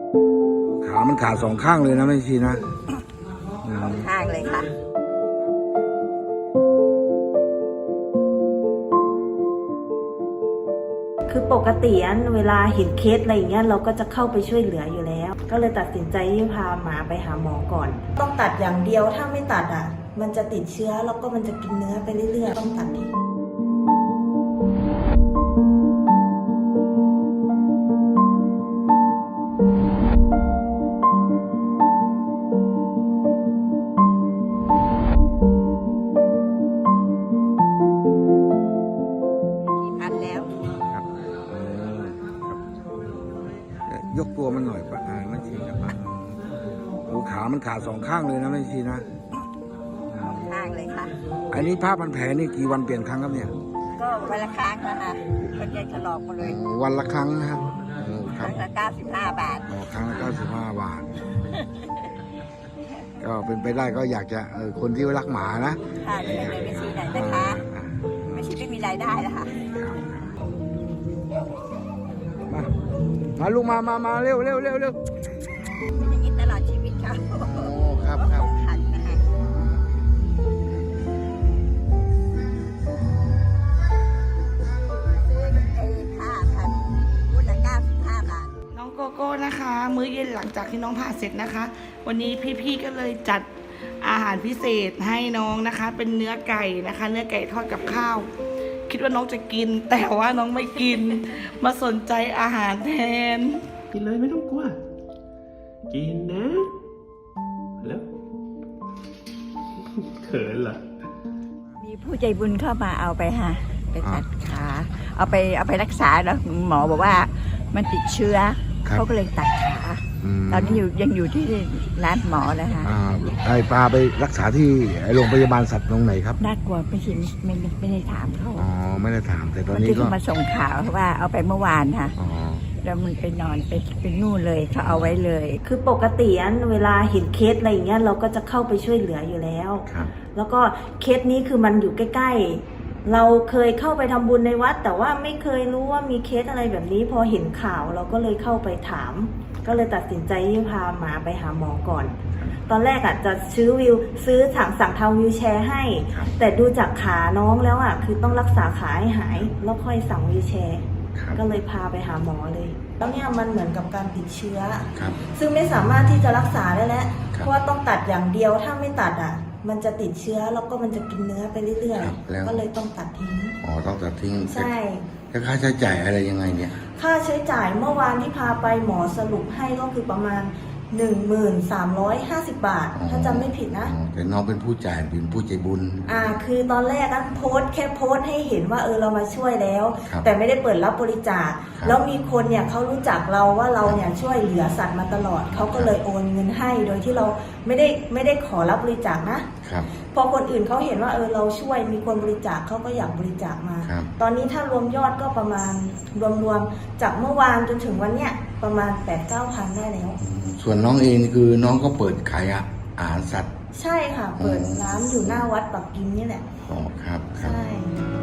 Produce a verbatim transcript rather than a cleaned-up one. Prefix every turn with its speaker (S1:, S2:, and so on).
S1: ขามันขาดสองข้างเลยนะแม่ชีนะ
S2: สองข้างเลยค่ะ
S3: คือปกติเวลาเห็นเคสอะไรอย่างเงี้ยเราก็จะเข้าไปช่วยเหลืออยู่แล้วก็เลยตัดสินใจที่พาหมาไปหาหมอก่อนต้องตัดอย่างเดียวถ้าไม่ตัดอ่ะมันจะติดเชื้อแล้วก็มันจะกินเนื้อไปเรื่อยๆต้องตัดทิ้ง
S1: ยกตัวมันหน่อยปะอ่าแม่ชีนะโอ้ขามันขาดสองข้างเลยนะแม่ชีนะ
S2: สองข้างเลยค่ะ
S1: อันนี้ผ้าพันแผลนี่กี่วันเปลี่ยนครั้งครับเนี่ย
S2: ก็วันละครั้งนะคะมันจะถลอกหมดเลย
S1: วันละครั้งนะครับ
S2: ครั้งละเก้าสิบห้าบาท
S1: อ๋อครั้งละเก้าสิบห้าบาทก็เป็นไปได้ก็อยากจะเออคนที่รักหมานะ
S2: ค่ะช่วยเลยไม่ชีไหนนะคะไม่ชีไม่มีรายได้นะคะ
S1: มามาลูกมามามาเร็วเร็วเร็วเร็ว
S2: อย่างนี้ตลอดชีวิตค่ะ
S1: โอ้ครับครับ
S2: ขันนะคะซื้อไอ้ผ้าพันวุ้นละเก้าสิบห้าบาท
S4: น้องโกโก้นะคะมื้อเย็นหลังจากที่น้องผ่าเสร็จนะคะวันนี้พี่ๆก็เลยจัดอาหารพิเศษให้น้องนะคะเป็นเนื้อไก่นะคะเนื้อไก่ทอดกับข้าวคิดว่าน้องจะกินแต่ว่าน้องไม่กินมาสนใจอาหารแทน
S5: กินเลยไม่ต้องกลัวกินนะแล้วเขินเหรอ
S2: มีผู้ใจบุญเข้ามาเอาไปค่ะไปตัดขาเอาไปเอาไปรักษาแล้วหมอบอกว่ามันติดเชื้อเขาก็เลยตัดขาตอนนี้อยู่ยังอยู่ที่ร้านหมอนะคะ
S1: ไอ้ปลาไปรักษาที่โรงพยาบาลสัตว์ตรงไหนครับ
S2: น่ากลัวไม่ใช่ไม่ไม่ได้ถามเขา
S1: อ๋อไม่ได้ถามแต่ตอนนี้ก็
S2: มาส่งข่าวว่าเอาไปเมื่อวานค่ะแล้วมันไปนอนไปเป็นนู่นเลยเขาเอาไว้เลย
S3: คือปกติเวลาเห็นเคสอะไรอย่างเงี้ยเราก็จะเข้าไปช่วยเหลืออยู่แล้วแล้วก็เคสนี้คือมันอยู่ใกล้ๆเราเคยเข้าไปทำบุญในวัดแต่ว่าไม่เคยรู้ว่ามีเคสอะไรแบบนี้พอเห็นข่าวเราก็เลยเข้าไปถามก็เลยตัดสินใจที่พาหมาไปหาหมอก่อนตอนแรกอ่ะจะซื้อวิวซื้อสั่งสั่งทำวิวแชร์ให้แต่ดูจากขาน้องแล้วอ่ะคือต้องรักษาขาให้หายแล้วค่อยสั่งวิวแชร์ก็เลยพาไปหาหมอเลยแล้วเนี่ยมันเหมือนกับการติดเชื้อซึ่งไม่สามารถที่จะรักษาได้แล้วเพราะว่าต้องตัดอย่างเดียวถ้าไม่ตัดอ่ะมันจะติดเชื้อแล้วก็มันจะกินเนื้อไปเรื่อยๆก็เลยต้องตัดทิ้ง
S1: อ๋อต้องตัดทิ้ง
S3: ใช่
S1: แล้วค่าใช้จ่ายอะไรยังไงเนี่ย
S3: ค่าใช้จ่ายเมื่อวานที่พาไปหมอสรุปให้ก็คือประมาณ หนึ่งหมื่นสามร้อยห้าสิบ บาทถ้าจำไม่ผิดนะ
S1: แต่น้องเป็นผู้จ่ายเป็นผู้ใจบุญ
S3: อ่าคือตอนแรกก็โพสแค่โพสให้เห็นว่าเออเรามาช่วยแล้วแต่ไม่ได้เปิดรับบริจาคแล้วมีคนเนี่ยเขารู้จักเราว่าเราเนี่ยช่วยเหลือสัตว์มาตลอดเขาก็เลยโอนเงินให้โดยที่เราไม่ได้ไม่ได้ขอรับบริจาคนะครับพอคนอื่นเขาเห็นว่าเออเราช่วยมีคนบริจาคเขาก็อยากบริจาคมาตอนนี้ถ้ารวมยอดก็ประมาณรวมๆจากเมื่อวานจนถึงวันเนี้ยประมาณ แปดถึงเก้าพัน ได้แล้ว
S1: ส่วนน้องเองคือน้องก็เปิดขายอาหารสัตว์
S3: ใช่ค่ะเปิดร้านอยู่หน้าวัดปักกิ่งนี่แหละ
S1: อ๋อครับครับ
S3: ใช่